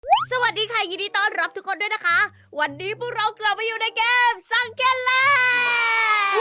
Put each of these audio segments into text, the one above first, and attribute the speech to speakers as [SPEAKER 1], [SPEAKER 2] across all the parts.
[SPEAKER 1] สวัสดีค่ะยินดีต้อนรับทุกคนด้วยนะคะ วันนี้พวกเรากลับมาอยู่ในเกมซังเกนแลนด์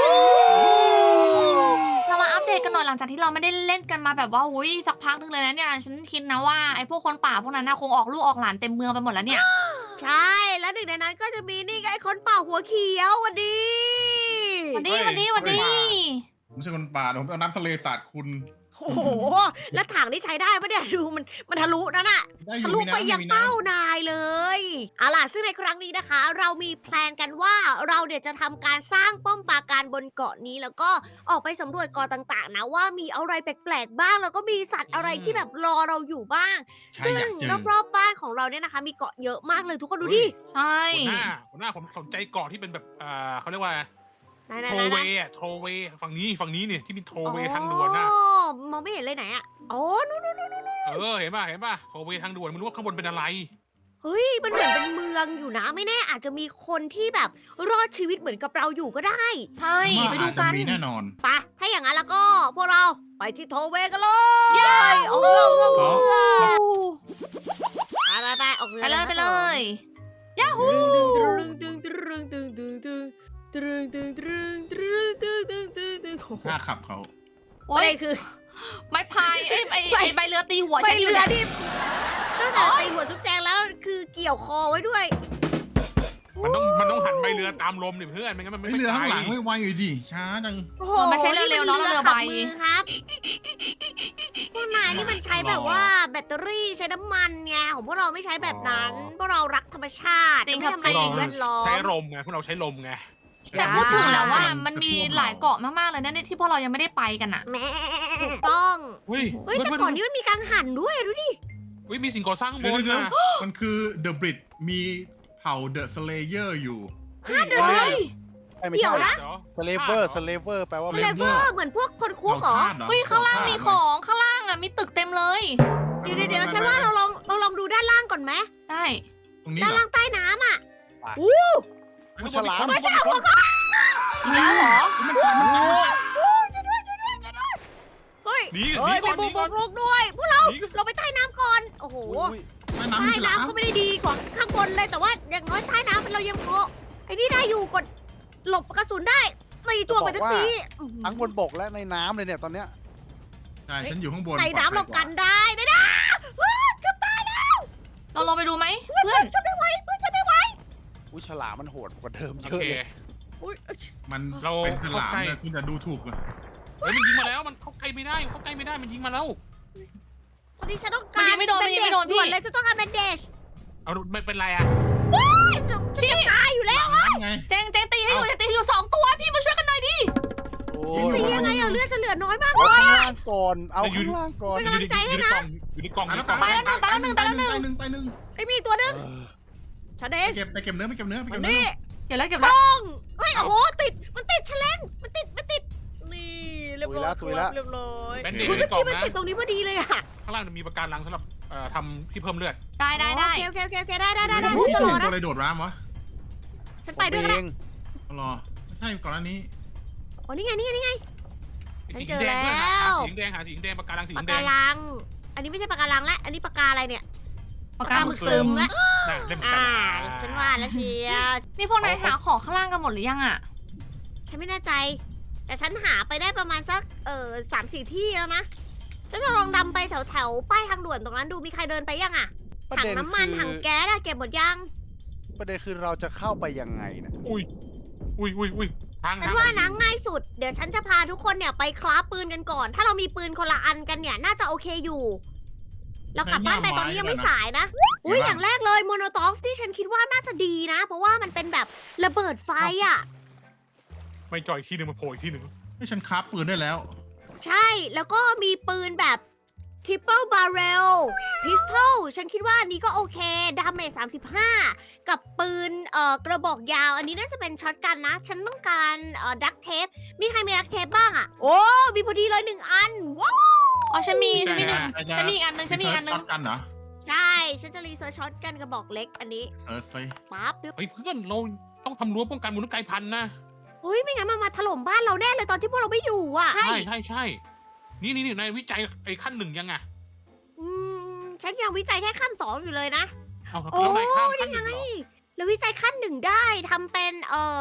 [SPEAKER 2] เรามาอัปเดตกันหน่อยหลังจากที่เราไม่ได้เล่นกันมาแบบว่าสักพักนึงเลยนะเนี่ยฉันคิดนะว่าไอ้พวกคนป่าพวกนั้นน่ะคงออกลูกออกหลานเต็มเมืองไปหมดแล้วเนี่ย
[SPEAKER 1] ใช่แล้วหนึ่งในนั้นก็จะมีนี่ไงคนป่าหัวเขียววันดี
[SPEAKER 2] วันนี้
[SPEAKER 3] เฮ้ย
[SPEAKER 2] วันนี้วันนี้
[SPEAKER 3] ผมใช่คนป่าผมเอาน้ำทะเลสาดคุณ
[SPEAKER 1] โอ้โหแล้วถังที่ใช้ได้ปะเนี่ยดูมันทะลุนั่นอะ
[SPEAKER 3] ได้อ
[SPEAKER 1] ทะ
[SPEAKER 3] ยู่
[SPEAKER 1] ลุ
[SPEAKER 3] มี
[SPEAKER 1] ไป
[SPEAKER 3] น้ำ
[SPEAKER 1] ยัง
[SPEAKER 3] มีน้
[SPEAKER 1] เป้านายเลยเอาล่ะซึ่งในครั้งนี้นะคะ เรามีแพลนกันว่าเราเดี๋ยวจะทำการสร้างป้อมปราการบนเกาะนี้ แล้วก็ออกไปสำรวจเกาะต่างๆนะว่ามีอะไรแปลกๆบ้างแล้วก็มีสัตว์อะไรที่แบบรอเราอยู่บ้าง
[SPEAKER 3] ำใช่
[SPEAKER 1] ซึ่
[SPEAKER 3] อง ยากเจอ
[SPEAKER 1] รอบๆบ้านของเราเนี่ยนะคะ มีเกาะเยอะมากเลยทุกคนดูดิ
[SPEAKER 2] ใช่
[SPEAKER 3] หัวหน้าผมสนใจเกาะที่เป็นแบบเขาเรียกว่า
[SPEAKER 1] ไหน
[SPEAKER 3] โท
[SPEAKER 1] ๆๆๆ
[SPEAKER 3] เวย์อะโทเวย์ฝั่งนี้เนี่ยที่มีโทเวย์ทางด่วนน่ะ
[SPEAKER 1] อ๋อมองไม่เห็นเลยไหนอะอ๋อนู่น
[SPEAKER 3] เห็นป่ะโทเวย์ทางด่วนไม่รู้ว่าข้างบนเป็นอะไร
[SPEAKER 1] เฮ้ยมันเหมือนเป็นเมืองอยู่นะไม่แน่อาจจะมีคนที่แบบรอดชีวิตเหมือนกับเราอยู่ก็ได้
[SPEAKER 2] ใช่ไปดู
[SPEAKER 3] อาจจะ
[SPEAKER 2] กัน
[SPEAKER 3] มีแน่นอน
[SPEAKER 1] ไปถ้าอย่างนั้นแล้วก็พวกเราไปที่โทเวกันเลยออกเรือไปออกเรือ
[SPEAKER 2] ไปเลยไปเลยยาฮู
[SPEAKER 3] หน้าขับเขา
[SPEAKER 2] โอ้
[SPEAKER 1] อะไร
[SPEAKER 2] ย
[SPEAKER 1] คือ
[SPEAKER 2] ไม้พายไอ้ใบเรือตีหัว
[SPEAKER 1] ไป
[SPEAKER 2] ฉันอยู่
[SPEAKER 1] เรือ
[SPEAKER 2] เนี่ย
[SPEAKER 1] ที่นอกจากตีหัวจุ๊บแจงแล้วคือเกี่ยวคอไว้ด้วย
[SPEAKER 3] มันต้องหันใบเรือตามลมดิเพื่อนไม่งั้นมัน
[SPEAKER 4] ไม่
[SPEAKER 3] ไม่
[SPEAKER 4] เรือข้างหลัง
[SPEAKER 3] ไป
[SPEAKER 4] ไม่ไวอยู่ดิช้าจัง
[SPEAKER 1] โอ้โห
[SPEAKER 2] มันไม่ใช่เร็วๆเนอะ
[SPEAKER 1] นี่มัน
[SPEAKER 2] เรือใบ
[SPEAKER 1] ขัมือครับพวกนายนี่มันใช้แบบว่าแบตเตอรี่ใช้น้ำมันไงของพวกเราไม่ใช้แบบนั้นพวกเรารักธรรมชาติ
[SPEAKER 2] จริง
[SPEAKER 1] ไม่
[SPEAKER 2] ครับ
[SPEAKER 1] ทำลายสิ่งแวดล้อม
[SPEAKER 3] ใช้ลมไงพวกเราใช้ลมไง
[SPEAKER 2] แต่พูดถึงแล้วว่ามันมีหลายเกาะมากๆเลยนะเนี่ยที่พวกเรายังไม่ได้ไปกันอ่ะ
[SPEAKER 1] แม่ถูกต้อง
[SPEAKER 3] เฮ้ย
[SPEAKER 1] เฮ้ยแต่ก่อนนี้มันมีกังหันด้วยดูดิ
[SPEAKER 3] มีสิ่งก่อสร้างข้างบน
[SPEAKER 4] เดี๋ยว
[SPEAKER 3] นะ
[SPEAKER 4] มันคือเดอะบริดมีเผ่าเดอะสเลเยอร์อยู่
[SPEAKER 1] เดี๋ยว
[SPEAKER 2] เฮ้ย
[SPEAKER 5] ไม่
[SPEAKER 1] เดี๋
[SPEAKER 5] ใช่
[SPEAKER 1] ยวนะ
[SPEAKER 5] สเลเวอร์สเลเวอร์แปลว่า
[SPEAKER 1] เลเวอร์เหมือนพวกคนคุกเหรอ
[SPEAKER 4] เผ่าทาสเหรอ
[SPEAKER 2] เฮ้ยข้างล่างมีของข้างล่างอ่ะมีตึกเต็มเลย
[SPEAKER 1] เดี๋ยวฉันว่าเราลองดูด้านล่างก่อนไหม
[SPEAKER 2] ได้
[SPEAKER 4] ตรงนี้
[SPEAKER 1] ด้าน
[SPEAKER 4] เหรอ
[SPEAKER 1] ล่างใต้น้ำอ่ะ
[SPEAKER 5] อุ๊ยฉลาม
[SPEAKER 1] ไม่ใช่หัวเขา
[SPEAKER 2] อีกแล้วเหรอ
[SPEAKER 1] เฮ้ย
[SPEAKER 3] หนี
[SPEAKER 1] เฮ้ย
[SPEAKER 3] ก่
[SPEAKER 1] มี
[SPEAKER 3] อน
[SPEAKER 1] บุ
[SPEAKER 3] หนีก่อน
[SPEAKER 1] กด้วยพวกเรา
[SPEAKER 3] หนีก่อน
[SPEAKER 1] เราไปใต้น้ำก่อนโอ้โห
[SPEAKER 5] อุ๊ย
[SPEAKER 4] ใต้น้ำ
[SPEAKER 1] ใต้
[SPEAKER 4] มีฉลาม
[SPEAKER 1] น้ำก็ไม่ได้ดีกว่าข้างบนเลยแต่ว่าอย่างน้อยใต้น้ำเรายังพอไอ้นี่ได้อยู่กดหลบกระสุนได้ตีตัวไปทันที
[SPEAKER 5] ทั้งบนบกและในน้ำเลยเนี่ยตอนเนี้ย
[SPEAKER 4] ใช่ฉันอยู่ข้างบน
[SPEAKER 1] ใต้น้ำเรากันได้นะนะเกือบตายแล้ว
[SPEAKER 2] เราลงไปดูไหมเพื่อน
[SPEAKER 1] ฉันไม่ไหวเพื่อนฉันไม่ไหว
[SPEAKER 5] อุ้ยฉลามมันโหดกว่าเดิมเย
[SPEAKER 3] โอ
[SPEAKER 5] อะ
[SPEAKER 3] เค
[SPEAKER 5] เลย
[SPEAKER 1] อุ้ย
[SPEAKER 4] มัน
[SPEAKER 3] เรา
[SPEAKER 4] เป็นฉลาม
[SPEAKER 3] เข้าใกล้
[SPEAKER 4] เลยคุณจะดูถูกมัน
[SPEAKER 3] เฮ้ยมันยิงมาแล้วมันเข้าใกล้ไม่ได้มันยิงมาแล้ว
[SPEAKER 1] ตอนนี้ฉันต้องการ
[SPEAKER 2] มันยิงไม่โดนมันยิงไม่โดนพี่
[SPEAKER 1] ด่วนเลยจะต้องการแบนเดจ
[SPEAKER 3] เอาไม่เป็นไรอะ
[SPEAKER 1] ฉันจะตายอยู่แล้ว
[SPEAKER 4] น้ำไง
[SPEAKER 2] เจงตีให้อยู่ตีให้อยู่2 ตัวพี่มาช่วยกันหน่อยดิ
[SPEAKER 5] โอ้
[SPEAKER 1] ตียังไงอะเลือดฉันเหลือน้อยมาก
[SPEAKER 5] เอา
[SPEAKER 1] เลย
[SPEAKER 5] ข้างล่างก่อนเอาข้างล่างก่อน
[SPEAKER 1] เป็นกำลังใจให้นะ
[SPEAKER 3] อยู่ในกล่อง
[SPEAKER 4] ตาย
[SPEAKER 3] อยู่
[SPEAKER 4] แล้
[SPEAKER 3] ใน
[SPEAKER 4] ว
[SPEAKER 3] กล่อง
[SPEAKER 4] ตายแล้วตายหนึ่ง
[SPEAKER 1] ไอ้มีตัวนึงฉันเอง
[SPEAKER 4] ไปเก็บเนื้อไปเก็บเนื้อไป
[SPEAKER 1] มั
[SPEAKER 4] เก็
[SPEAKER 1] น
[SPEAKER 4] บเนื้อ
[SPEAKER 1] นี่
[SPEAKER 2] เก็บแล้วเก็บแล้ว
[SPEAKER 1] ต้องเฮ้ยโอ้โหมันติดแฉลงมันติดนี่เรียบร้อยครับเรียบร้อย
[SPEAKER 3] แบนเด
[SPEAKER 1] เฮ้
[SPEAKER 3] จ
[SPEAKER 1] ย
[SPEAKER 3] ในกล่อง
[SPEAKER 1] มัน
[SPEAKER 3] นะ
[SPEAKER 1] ติดตรงนี้พอดีเลยอะ
[SPEAKER 3] ข้างล่างจะมีประการลังสำหรับทำที่เพิ่มเลือด
[SPEAKER 2] ได้ได้ได้
[SPEAKER 1] โอเคได้ฉัน
[SPEAKER 4] เห็
[SPEAKER 1] จะ
[SPEAKER 4] น
[SPEAKER 1] รอ
[SPEAKER 4] ตัว
[SPEAKER 1] นะ
[SPEAKER 4] อะไรโดดร้ามวะ
[SPEAKER 1] ฉันไปด้วยก็
[SPEAKER 5] เอ
[SPEAKER 1] ได้
[SPEAKER 5] ง
[SPEAKER 4] รอไม่ใช่ก่อนหน้านี้
[SPEAKER 1] อ๋อนี่ไง
[SPEAKER 3] สี
[SPEAKER 1] เจอ
[SPEAKER 3] แดงด้วย
[SPEAKER 1] แล้ว
[SPEAKER 3] สีแดงหาสีแดงประการลังสี
[SPEAKER 1] ปาก
[SPEAKER 3] แด
[SPEAKER 1] กาง ลัง อันนี้ไม่ใช่ปากกาลังแล้วอันนี้ปากกาอะไรเนี่ย
[SPEAKER 2] ปากกาหมึกซึม
[SPEAKER 1] แล้ว
[SPEAKER 3] น่ะเล่นเหมือนกัน
[SPEAKER 1] ฉันว่าแล้วเชียว
[SPEAKER 2] นี่พวกนายหาของข้างล่างกันหมดหรือยังอ่ะ
[SPEAKER 1] ฉันไม่แน่ใจ แต่ฉันหาไปได้ประมาณสัก3-4 ที่แล้วนะ ฉันจะลองดำไปแถวป้ายทางด่วนตรงนั้นดูมีใครเดินไปยังอะ
[SPEAKER 5] ประ
[SPEAKER 1] ถัง
[SPEAKER 5] เด็น
[SPEAKER 1] น้ำมัน
[SPEAKER 5] คือ
[SPEAKER 1] ถังแก๊สอะเก็บหมดยัง
[SPEAKER 5] ประเด็นคือเราจะเข้าไปยังไงนะ
[SPEAKER 3] อุ้ยทาง
[SPEAKER 1] ฉันว่านะง่ายสุด เดี๋ยวฉันจะพาทุกคนเนี่ยไปคราฟปืนกันก่อน ถ้าเรามีปืนคนละอันกันเนี่ยน่าจะโอเคอยู่ เรากลับบ้านไปตอนนี้ยังไม่สายนะ อุ้ยอย่างแรกเลยโมโนท็อกซ์ที่ฉันคิดว่าน่าจะดีนะ เพราะว่ามันเป็นแบบระเบิดไฟอะ
[SPEAKER 3] ไม่จ่อยที่หนึ่งมาโผล่อีกที่หนึ่ง
[SPEAKER 4] ให้ฉันคราฟปืนได้แล้ว
[SPEAKER 1] ใช่ แล้วก็มีปืนแบบ triple barrel pistol ฉันคิดว่าอันนี้ก็โอเค ดาเมจ35 กับปืนกระบอกยาว อันนี้น่าจะเป็นช็อตกันนะ ฉันต้องการดักเทป มีใครมีดักเทปบ้างอะโอ้ มีพอดีเลย1 อัน ว้าว
[SPEAKER 2] อ๋อฉันมีหนึ่ง
[SPEAKER 4] ใช่
[SPEAKER 2] ฉันมีอีกอันหนึ่งฉันมีอีกอันหนึ่
[SPEAKER 4] ช็
[SPEAKER 2] ง
[SPEAKER 4] อตกันเหรอ
[SPEAKER 1] ใช่ ฉันจะรีเสิร์ชช็อตกันกระบอกเล็กอันนี้
[SPEAKER 4] เซิร์ชไป
[SPEAKER 1] ปั๊บเรียบ
[SPEAKER 3] เฮ้ยเพื่อนเราต้องทำรั้วป้องกันมนุษย์กลายพันธุ์นะ
[SPEAKER 1] เฮ้ย ไม่งั้นมันมาถล่มบ้านเราแน่เลยตอนที่พวกเราไม่อยู่อะ
[SPEAKER 3] ใช่นี่นายวิจัยไอ้ขั้น 1ยังอ่ะ
[SPEAKER 1] ฉันยังวิจัยแค่ขั้น 2อยู่เลยนะ
[SPEAKER 3] เอา
[SPEAKER 1] โอ้
[SPEAKER 3] แล้วนายข้ามขั้น
[SPEAKER 1] นี่
[SPEAKER 3] หนึ่ง
[SPEAKER 1] ไง
[SPEAKER 3] เหรอ
[SPEAKER 1] แล้ววิจัยขั้นหนึ่งได้ทำเป็น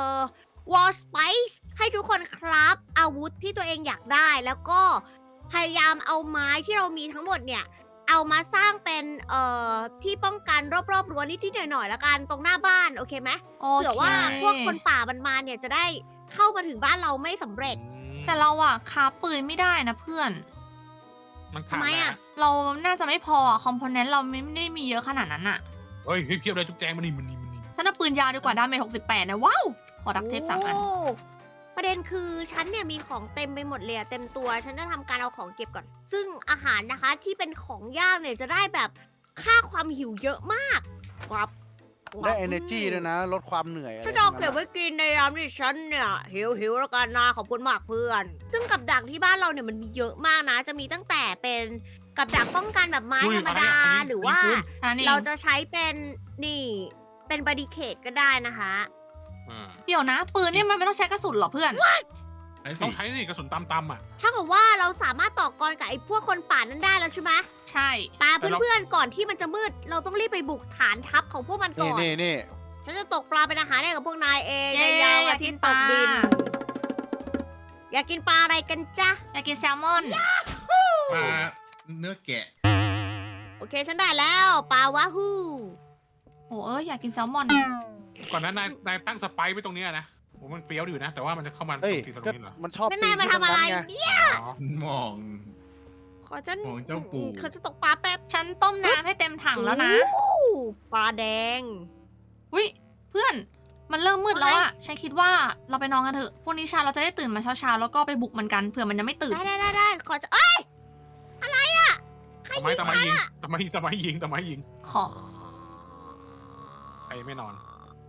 [SPEAKER 1] wall spice ให้ทุกคนครับอาวุธที่ตัวเองอยากได้ แล้วก็พยายามเอาไม้ที่เรามีทั้งหมดเนี่ย เอามาสร้างเป็นที่ป้องกันรอบๆรั้วนิดๆหน่อยๆละกันตรงหน้าบ้านโอเคไหม
[SPEAKER 2] โอ
[SPEAKER 1] เผื่อ
[SPEAKER 2] เค
[SPEAKER 1] ว่าพวกคนป่ามันมาเนี่ยจะได้เข้ามาถึงบ้านเราไม่สำเร็จ
[SPEAKER 2] แต่เราอะคาบปืนไม่ได้นะเพื่อน
[SPEAKER 3] มัน
[SPEAKER 1] ทำ
[SPEAKER 3] ขาด
[SPEAKER 1] ไม
[SPEAKER 3] แล้ว
[SPEAKER 1] อะ
[SPEAKER 2] เราน่าจะไม่พออะคอมโพเนนต์เราไม่ได้มีเยอะขนาดนั้นอะ
[SPEAKER 3] เฮ้ยเพียบเลยจุ๊บแจงมันนี่
[SPEAKER 2] ฉันเอาปืนยาวดีกว่าดาเมจ68นะว้าว ขอดักเทป3 อัน
[SPEAKER 1] โประเด็นคือฉันเนี่ยมีของเต็มไปหมดเลยอะเต็มตัว ฉันจะทำการเอาของเก็บก่อน ซึ่งอาหารนะคะที่เป็นของย่างเนี่ยจะได้แบบค่าความหิวเยอะมากครับ
[SPEAKER 5] ได้ energy ด้วยนะ ลดความเหนื่อยอะไร
[SPEAKER 1] ฉันจะเอาเก็บไว้กินในยามที่ฉันเนี่ยหิวแล้วกันนะขอบคุณมากเพื่อน ซึ่งกับดักที่บ้านเราเนี่ยมันมีเยอะมากนะ จะมีตั้งแต่เป็นกับดักป้องกันแบบไม้ธรรมดา หรือว่า
[SPEAKER 2] อันนี้
[SPEAKER 1] เราจะใช้เป็นนี่เป็นบาริเคดก็ได้นะคะ
[SPEAKER 2] เดี๋ยวนะ ปืนเนี่ยมันไม่ต้องใช้กระสุนเหรอเพื่อน
[SPEAKER 4] ไอ้
[SPEAKER 3] ต้
[SPEAKER 4] สิ
[SPEAKER 3] องใช้สิกระสุนตำอ่ะ
[SPEAKER 1] ถ้าเกิดว่าเราสามารถต่อกรกับไอ้พวกคนป่านั้นได้แล้วใช่ไหม
[SPEAKER 2] ใช่
[SPEAKER 1] ปา
[SPEAKER 3] แต่เรา
[SPEAKER 1] เพื่อนๆก่อนที่มันจะมืด เราต้องรีบไปบุกฐานทัพของพวกมันก่
[SPEAKER 5] นี่
[SPEAKER 1] อน
[SPEAKER 5] นี่
[SPEAKER 1] ฉันจะตกปลาเป็นอาหารให้กับพวกนายเอง
[SPEAKER 2] เย้
[SPEAKER 1] ในยาม
[SPEAKER 2] อยา
[SPEAKER 1] อาก
[SPEAKER 2] กิ
[SPEAKER 1] ทิต
[SPEAKER 2] น
[SPEAKER 1] ย์
[SPEAKER 2] ป
[SPEAKER 1] ต
[SPEAKER 2] ลาก
[SPEAKER 1] ดิน อยากกินปลาอะไรกันจ๊ะ
[SPEAKER 2] อยากกินแซลมอน
[SPEAKER 4] ปลาเนื้อแกะ
[SPEAKER 1] โอเคฉันได้แล้วปลาวาฮู
[SPEAKER 2] โอ้อยากกินแซลมอน
[SPEAKER 3] ก่อนนั้นนายตั้งสไปร์ไว้ตรงเนี้ยนะโอ้มันเฟี้ยวอยู่นะ แต่ว่ามันจะเข้ามา
[SPEAKER 5] เฮ้ย
[SPEAKER 3] ตรง
[SPEAKER 5] ก็
[SPEAKER 3] นี้เหรอ
[SPEAKER 5] มันชอบ
[SPEAKER 1] แล้ว
[SPEAKER 5] ปี
[SPEAKER 1] นาย
[SPEAKER 5] น
[SPEAKER 1] มา
[SPEAKER 5] ขึ้น
[SPEAKER 1] ทำอะไร
[SPEAKER 5] ตงนั้นไง
[SPEAKER 1] เนี่ย
[SPEAKER 3] อ๋อ
[SPEAKER 4] มอง
[SPEAKER 1] ขอฉัน
[SPEAKER 4] ของเจ้าปู่
[SPEAKER 1] ขอจะตกปลาแป๊บ
[SPEAKER 2] ฉันต้มน้ำให้เต็มถังแล้วนะ
[SPEAKER 1] โอ้ปลาแดง
[SPEAKER 2] วิเพื่อน มันเริ่มมืดแล้วอะฉันคิดว่าเราไปนอนกันเถอะ พรุ่งนี้เช้าเราจะได้ตื่นมาเช้าๆแล้วก็ไปบุกมันกัน เผื่อมันยังไม่ตื่น
[SPEAKER 1] ได้ขอจะเอ้ยอะไรอะใคร
[SPEAKER 3] ทำไม
[SPEAKER 1] ยิง
[SPEAKER 3] ทำไม
[SPEAKER 1] ฉัน
[SPEAKER 3] ยิง
[SPEAKER 1] อะ
[SPEAKER 3] ทำไมยิง
[SPEAKER 2] ขอ
[SPEAKER 3] ใครไม่นอน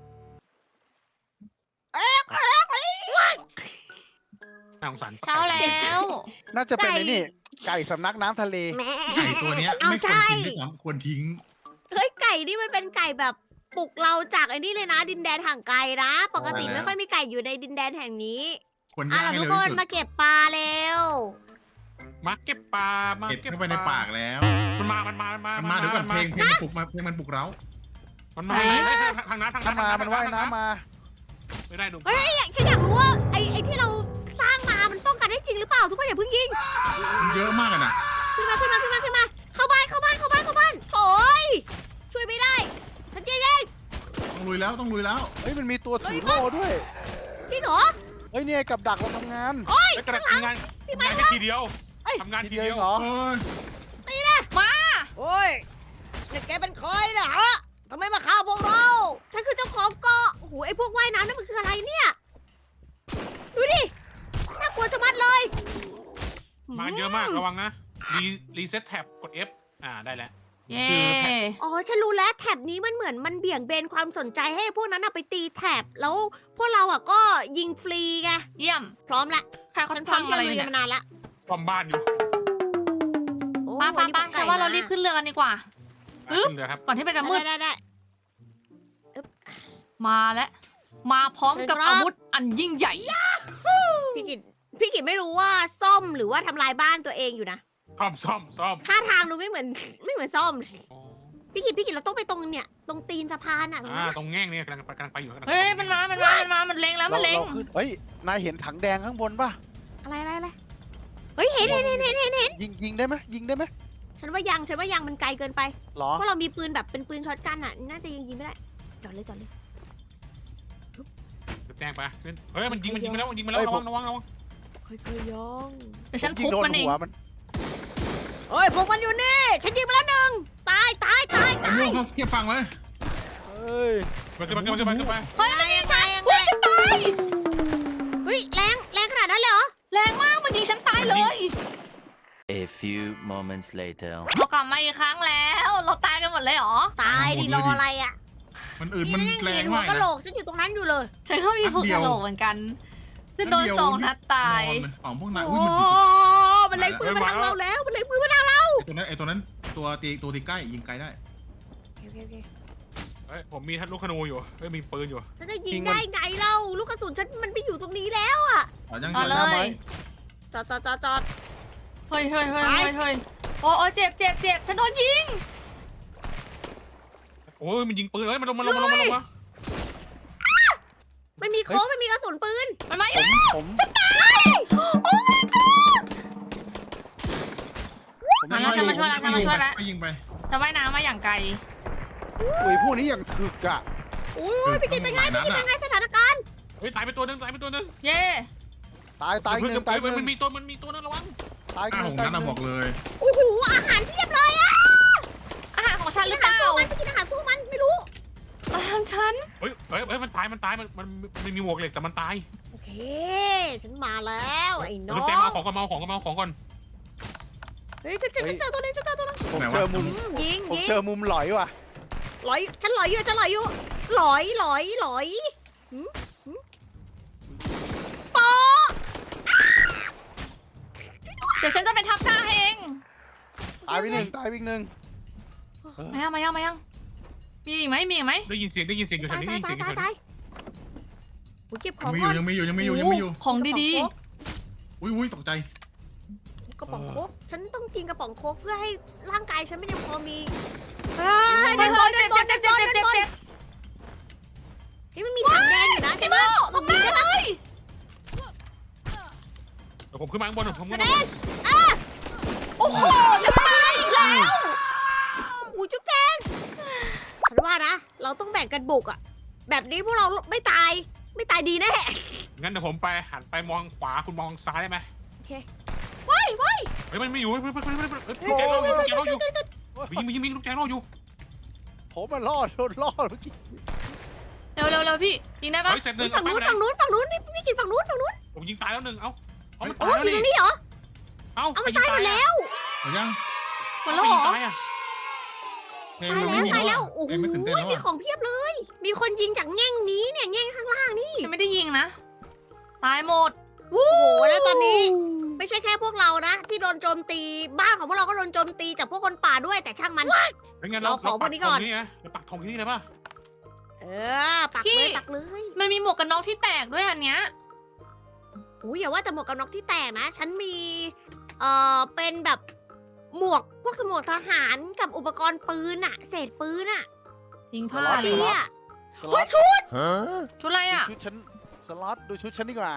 [SPEAKER 3] น่าสงสาร
[SPEAKER 2] เช้าแล้ว
[SPEAKER 5] น่าจะเป็นไอ้นี่ ไก่สำนักน้ำทะเล
[SPEAKER 1] แหม่
[SPEAKER 4] ไก่ตัวเนี้ย
[SPEAKER 1] เอา
[SPEAKER 4] ไม่ควร
[SPEAKER 1] ใช่
[SPEAKER 4] กินด้วยซ้ำควรทิ้ง
[SPEAKER 1] เฮ้ยไก่นี่มันเป็นไก่แบบปลุกเราจากไอ้นี่เลยนะ ดินแดนห่างไกลนะ ปกติ
[SPEAKER 4] ใช่แล้ว
[SPEAKER 1] ไม่ค่อยมีไก่อยู่ในดินแดนแห่งนี้
[SPEAKER 4] ควร
[SPEAKER 1] อ่ะ
[SPEAKER 4] ย่าง
[SPEAKER 1] เรา
[SPEAKER 4] ให้
[SPEAKER 1] ทุก
[SPEAKER 4] เร็ว
[SPEAKER 1] คน
[SPEAKER 4] ที่สุด
[SPEAKER 1] มาเก็บปลาแล้ว
[SPEAKER 3] มาเก็บปลามา
[SPEAKER 4] เก็บ
[SPEAKER 3] เก็บ
[SPEAKER 4] เข้าไปในปากแล้ว
[SPEAKER 3] มันมา
[SPEAKER 4] มันมาเดี๋ยวก่อนเพลงมันปลุกมาเพลงมันปลุกเรา
[SPEAKER 3] มันมาทางนั้น
[SPEAKER 5] น้ำมา มันว่ายน้ำมา
[SPEAKER 3] ไม่ได้ดู
[SPEAKER 1] เฮ้ยฉันอยากรู้ว่าไอ้ที่เราสร้างมามันป้องกันได้จริงหรือเปล่าทุกคนอย่าเพิ่งยิง
[SPEAKER 4] มันเยอะมากอะนะ
[SPEAKER 1] ขึ้นมาเข้าบ้านโอ้ยช่วยไม่ได้ฉันยิงเอง
[SPEAKER 4] ต้องลุยแล้วต้องลุยแล้ว
[SPEAKER 5] เฮ้ย มันมีตัวถือโล่ด้วย
[SPEAKER 1] จริงเหรอ
[SPEAKER 5] เฮ้ยเนี่ยกับดักเราทำงาน
[SPEAKER 3] ไม่กระทำงานแค่ทีเดียวทำงานทีเดียว
[SPEAKER 5] เหรอ
[SPEAKER 4] โอ้ย
[SPEAKER 1] โอ้ยนี่แกเป็นใครนะฮะทำไมมาฆ่าพวกเรา ฉันคือเจ้าของเกาะโอ้โหไอ้พวกว่ายน้ำนั่นมันคืออะไรเนี่ย ดูดิ น่ากลัวจะมัดเลย
[SPEAKER 3] มาเยอะมากระวังนะรีเซ็ตแท็บกด F ได้แล้ว
[SPEAKER 2] เย้
[SPEAKER 3] คือแท็บ
[SPEAKER 1] อ๋อ ฉันรู้แล้วแท็บนี้มันเหมือนมันเบี่ยงเบนความสนใจให้พวกนั้นน่ะไปตีแท็บ แล้วพวกเราอ่ะก็ยิงฟรีไง
[SPEAKER 2] เยี่ยม
[SPEAKER 1] พร้อมละ
[SPEAKER 2] ใครเขา
[SPEAKER 1] ฉันพร้อ
[SPEAKER 2] พั
[SPEAKER 1] ม
[SPEAKER 2] ง
[SPEAKER 1] ที่
[SPEAKER 2] อะไร
[SPEAKER 1] จะ
[SPEAKER 2] อ
[SPEAKER 1] ลุ
[SPEAKER 2] ยู่
[SPEAKER 1] ย
[SPEAKER 2] เนี่ย
[SPEAKER 1] มานานละ
[SPEAKER 3] ซ่อมบ้านอยู่
[SPEAKER 1] โอ้
[SPEAKER 2] ป้า
[SPEAKER 1] วันนี้
[SPEAKER 2] ฉันว่าเรารีบขึ้นเรือกันดีกว่า อึ๊บ
[SPEAKER 3] ขึ้นเรือครับ
[SPEAKER 2] ก่อนที่มันจะมืด
[SPEAKER 1] ได้
[SPEAKER 2] มาแล้ว มาพร้อมกับ
[SPEAKER 1] เชิญครับ
[SPEAKER 2] อาวุธอันยิ่งใหญ่
[SPEAKER 1] พี่กิตไม่รู้ว่าซ่อมหรือว่าทำลายบ้านตัวเองอยู่นะ
[SPEAKER 3] ซ่อม
[SPEAKER 1] ท่าทางดูไม่เหมือนซ่อม พี่กิตเราต้องไปตรงเนี่ย ตรงตีนสะพานอ่ะตรงนั้น
[SPEAKER 3] ตรงแง่งเนี่ยกำลังไปอยู่
[SPEAKER 2] เฮ้ย มันมามันเล็งแล้ว มันเล็ง
[SPEAKER 5] เราขึ้นเฮ้ย นายเห็นถังแดงข้างบนป่ะ
[SPEAKER 1] อะไรเฮ้ยเห็น
[SPEAKER 5] ยิงได้ไหมยิงได้ไหม
[SPEAKER 1] ฉันว่ายังมันไกลเกินไป
[SPEAKER 5] หรอ
[SPEAKER 1] เพราะเรามีปืนแบบเป็นปืนช็อตกันอ่ะ น่าจะยิงไม่ได้ จอดเลย
[SPEAKER 3] แจ้งไปเฮ้ยมันยิงไปแล้วระวัง
[SPEAKER 1] ค่อยๆย่อง
[SPEAKER 2] เดี๋ยวฉัน
[SPEAKER 5] ยิ
[SPEAKER 2] ทุ
[SPEAKER 5] ง
[SPEAKER 2] บ
[SPEAKER 5] โดน
[SPEAKER 2] มันเอง
[SPEAKER 5] หัวมัน
[SPEAKER 1] เฮ้ยพวกมันอยู่นี่ ฉันยิงไปแล้วหนึ่งตาย
[SPEAKER 4] ไอ้ม่วงเขาเทียบฟังไว้
[SPEAKER 5] เฮ้ย
[SPEAKER 3] ขึ้นไป
[SPEAKER 2] เฮ้ย มันยิงฉัน
[SPEAKER 1] ยังไง
[SPEAKER 2] อุ้ยฉันตาย
[SPEAKER 1] เฮ้ยแรงขนาดนั้นเลยเหรอ
[SPEAKER 2] แรงมาก มันยิงฉันตายเลย
[SPEAKER 6] A few moments later.
[SPEAKER 2] เรากลับมาอีกครั้งแล้ว เราตายกันหมดเลยเหรอ
[SPEAKER 1] ตายดิรออะไรอ่ะ
[SPEAKER 4] มันอื่นมัน
[SPEAKER 1] ยัง
[SPEAKER 4] แร
[SPEAKER 1] เห็
[SPEAKER 4] ง
[SPEAKER 1] นหัว
[SPEAKER 4] มาก
[SPEAKER 1] กะ
[SPEAKER 4] นะ
[SPEAKER 1] โหลกฉันอยู่ตรงนั้นอยู่เลย
[SPEAKER 2] ฉันก็มี
[SPEAKER 4] นัด
[SPEAKER 2] พวก
[SPEAKER 4] เดี
[SPEAKER 2] ก
[SPEAKER 4] ยว
[SPEAKER 2] ระโหลกเหมือนกันจะโดนสองนัดตาย
[SPEAKER 4] อ๋อพวกนาย
[SPEAKER 1] โอ้
[SPEAKER 4] อุ้ยมัน
[SPEAKER 1] มันเล็งปืนมาทางเราแล้ว มันเล็งปืนมาทางเรา
[SPEAKER 4] ไอ้ตัวนั้นตัวตีใกล้ยิงไกลได้
[SPEAKER 1] โอเค
[SPEAKER 3] เฮ้ยผมมีลูกธนูอยู่เฮ้ยมีปืนอยู่
[SPEAKER 1] ฉันจะยิงได้ไงเล่าลูกกระสุนฉันมันไม่อยู่ตรงนี้แล้วอ่ะ
[SPEAKER 4] อ๋อยัง
[SPEAKER 2] เอาเล
[SPEAKER 5] หน้าไม้
[SPEAKER 2] ย
[SPEAKER 1] จอด
[SPEAKER 2] เฮ้ยโอ้เจ็บฉันโดนยิง
[SPEAKER 3] โอ้ยมันยิงปืนเฮ้ยมันลงมา
[SPEAKER 1] มันมีโค้งมันมีกระสุนปืน
[SPEAKER 2] มันมาอีก
[SPEAKER 5] ผม
[SPEAKER 2] มาแล้วฉันมาช่วยแล้วฉันมาช่วยแล้ว
[SPEAKER 4] ไปยิงไป
[SPEAKER 2] จะว่ายน้ำมาอย่างไกล
[SPEAKER 5] อุ้ยพวกนี้อย่างถึกอะ
[SPEAKER 1] อุ้ยพี่กินเป็นไงพี่กินเป็นไงสถานการณ์
[SPEAKER 3] เฮ้ยตายไปตัวนึง
[SPEAKER 2] เย่
[SPEAKER 5] ตายหนึ่งตายหนึ่ง
[SPEAKER 3] มันมีตัวนึงระวัง
[SPEAKER 5] ตายห
[SPEAKER 4] อ้า
[SPEAKER 5] นึ่
[SPEAKER 4] ว
[SPEAKER 5] ง
[SPEAKER 4] ของนั้นนะบอกเลย
[SPEAKER 1] โอ้โหอาหารเพียบเลยอะ
[SPEAKER 2] อาหารของฉันห
[SPEAKER 1] กิ
[SPEAKER 2] รื
[SPEAKER 1] น
[SPEAKER 2] อ
[SPEAKER 1] อา
[SPEAKER 2] เป
[SPEAKER 1] หาร
[SPEAKER 2] ล่า
[SPEAKER 1] สู้มันจะกินอาหารสู้มันไม่รู้
[SPEAKER 2] อาหารฉัน
[SPEAKER 3] เฮ้ยมันตายมันมีหมวกเหล็กแต่มันตาย
[SPEAKER 1] โอเค ฉันมาแล้วไอ้น้อ
[SPEAKER 3] ลูกแจ
[SPEAKER 1] ง
[SPEAKER 3] มาของก่อน
[SPEAKER 1] เฮ้ยฉันเจอตัวนึงฉันเจอตัวนึง
[SPEAKER 5] ผม
[SPEAKER 4] ไหน
[SPEAKER 5] เจ
[SPEAKER 4] วะ
[SPEAKER 5] อมุม
[SPEAKER 1] ยิง
[SPEAKER 5] ผม
[SPEAKER 1] ยิง
[SPEAKER 5] เจอมุมหลอยว่ะ
[SPEAKER 1] หลอยฉันหลอยอยู่หลอยปอ
[SPEAKER 2] เดี๋ยวฉันจะไปทับหน้าให้เอง
[SPEAKER 5] ตายไปหนึ่งตายไปหนึ่ง
[SPEAKER 2] มายังมีอีกไหม
[SPEAKER 3] ได้ยินเสียงอยู่แถ
[SPEAKER 1] ตา
[SPEAKER 3] วย นี้ได้ยินเสียงอยู่แถว
[SPEAKER 1] ตา
[SPEAKER 3] นี้
[SPEAKER 1] ยกูเก็บของ
[SPEAKER 4] มีอ
[SPEAKER 1] ก่อยู่ น
[SPEAKER 4] ยังมีอยู่
[SPEAKER 2] ของดี
[SPEAKER 4] อุ้ยตกใจ
[SPEAKER 1] กระป๋องโค้กฉันต้องกินกระป๋องโค้กเพื่อให้ร่างกายฉันไม่ยังพอมี
[SPEAKER 2] ๆเฮ้ยเจ็บ
[SPEAKER 1] นี่มันมีถังแดงอยู่นะ
[SPEAKER 2] พี่โมตรงนี้เลย
[SPEAKER 3] เดี๋ยวผมขึ้นมาข้างบนผมขึ้น
[SPEAKER 1] แด
[SPEAKER 3] มาง
[SPEAKER 2] โอ้โหจะตายอีกแล้ว
[SPEAKER 1] อู้จุ๊บแจงฉันว่านะ เราต้องแบ่งกันบุกอะแบบนี้พวกเราไม่ตายดีแน่
[SPEAKER 3] งั้นเดี๋ยวผมไปหันไปมองขวาคุณมองซ้ายได้ไหม
[SPEAKER 1] โอเค
[SPEAKER 3] เฮ้ยมันไม่อยู่ลูกแจงเราอยู่ยิงลูกแจงเราอยู่
[SPEAKER 5] ผมมันรอดโดนรอดเมื่อกี้
[SPEAKER 2] เร็วพี่ยิงได้ปะ
[SPEAKER 3] เฮ้ยเสร็จหนึ่ง
[SPEAKER 1] ฝั่งนู้นนี่พี่กินฝั่งนู้น
[SPEAKER 3] ผมยิงตายแล้วหนึ่งเอ้ามัน
[SPEAKER 1] โอ้
[SPEAKER 3] ตาย
[SPEAKER 1] ย
[SPEAKER 3] แล้ว
[SPEAKER 1] อยู่ตรง
[SPEAKER 3] นี่
[SPEAKER 1] นี้เหรอ
[SPEAKER 3] เอ้า
[SPEAKER 1] เอามันตายหมดแล้ว
[SPEAKER 4] หรือยัง
[SPEAKER 2] หมดแล้วเหรอ
[SPEAKER 3] ตายอ่ะ
[SPEAKER 4] เพลง
[SPEAKER 1] ตาย
[SPEAKER 4] มัน
[SPEAKER 1] แล้ว
[SPEAKER 4] ไม่มี
[SPEAKER 1] ตาย
[SPEAKER 4] แล้
[SPEAKER 1] แล้ว ว
[SPEAKER 4] อะ
[SPEAKER 1] โอ้โห
[SPEAKER 4] เพลงไม่ตื่นเต้นแล้ว
[SPEAKER 1] มี
[SPEAKER 4] อะ
[SPEAKER 1] ของเพียบเลย มีคนยิงจากแง่งนี้เนี่ยแง่งข้างล่างนี่
[SPEAKER 2] ฉันไม่ได้ยิงนะ ตายหมด
[SPEAKER 1] โอ้โหแล้วตอนนี้ ไม่ใช่แค่พวกเรานะ ที่โดนโจมตีบ้านของพวกเราก็โดนโจมตีจากพวกคนป่าด้วยแต่ช่างมัน
[SPEAKER 3] เป็นไง
[SPEAKER 1] เราขอพวกนี้ก่อน
[SPEAKER 3] เราปักธงที่นี่เลยป่ะ
[SPEAKER 1] เออปัก
[SPEAKER 2] พี่
[SPEAKER 1] เลย
[SPEAKER 2] มันมีหมวกกันน็อกที่แตกด้วยอันเนี้ย
[SPEAKER 1] อุ้ยอย่าว่าแต่หมวกกันน็อกที่แตกนะ ฉันมีเป็นแบบหมวกพวกหมวกทหารกับอุปกรณ์ปืนอะเศษปืนอะ
[SPEAKER 2] ยิงผ้าเล
[SPEAKER 1] เปี
[SPEAKER 2] ย
[SPEAKER 1] ย
[SPEAKER 5] สล็
[SPEAKER 1] เฮ้
[SPEAKER 5] อย ต
[SPEAKER 1] ชุด
[SPEAKER 2] ชุดอะไรอ่ะ
[SPEAKER 5] ชุดฉันสล็อตดูชุดฉันดีกว่า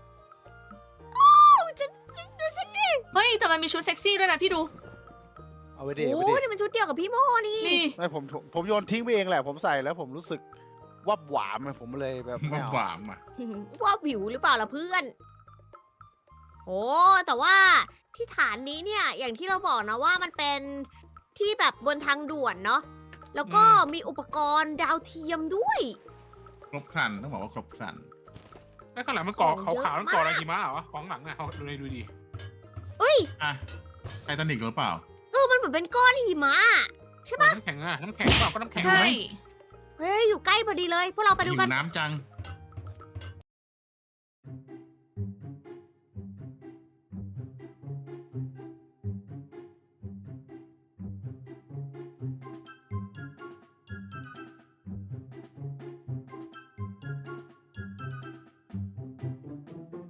[SPEAKER 1] ดูฉันดิ
[SPEAKER 2] เฮ้ยแต่มันมีชุดเซ็กซี่ด้วยนะพี่ดู
[SPEAKER 5] เอาไปเด
[SPEAKER 1] โอ้
[SPEAKER 5] เอาไปเด
[SPEAKER 1] นี่มันชุดเดียวกับพี่โมนี่
[SPEAKER 2] นี่
[SPEAKER 5] ไม่ผมโยนทิ้งไปเองแหละ ผมใส่แล้วผมรู้สึกวับหวามเลยผมเลยแบบไม่
[SPEAKER 4] ว่า
[SPEAKER 5] เอา
[SPEAKER 4] หวามอ่ะ
[SPEAKER 1] ว่าวิวหรือเปล่าล่ะเพื่อน โอ้แต่ว่าที่ฐานนี้เนี่ย อย่างที่เราบอกนะว่ามันเป็นที่แบบบนทางด่วนเนาะ แล้วก็มีอุปกรณ์ดาวเทียมด้วย
[SPEAKER 4] ครบครันต้องบอกว่าครบครัน
[SPEAKER 3] แล้วข้างหลังมันก่อขาวๆมันก่ออะไรหิมะเหรอของหลังเนี่ยดูดี
[SPEAKER 4] อ่ะไททานิกหรือเปล่า
[SPEAKER 1] มันเหมือนเป็นก้อนหิมะ
[SPEAKER 3] น้ำแข็งเปล่าก็น้ำแข็ง
[SPEAKER 2] ใช่
[SPEAKER 1] เฮ้ย อยู่ใกล้พอดีเลย พวกเราไปดู
[SPEAKER 4] หิ
[SPEAKER 1] กั
[SPEAKER 4] วน น้ำจัง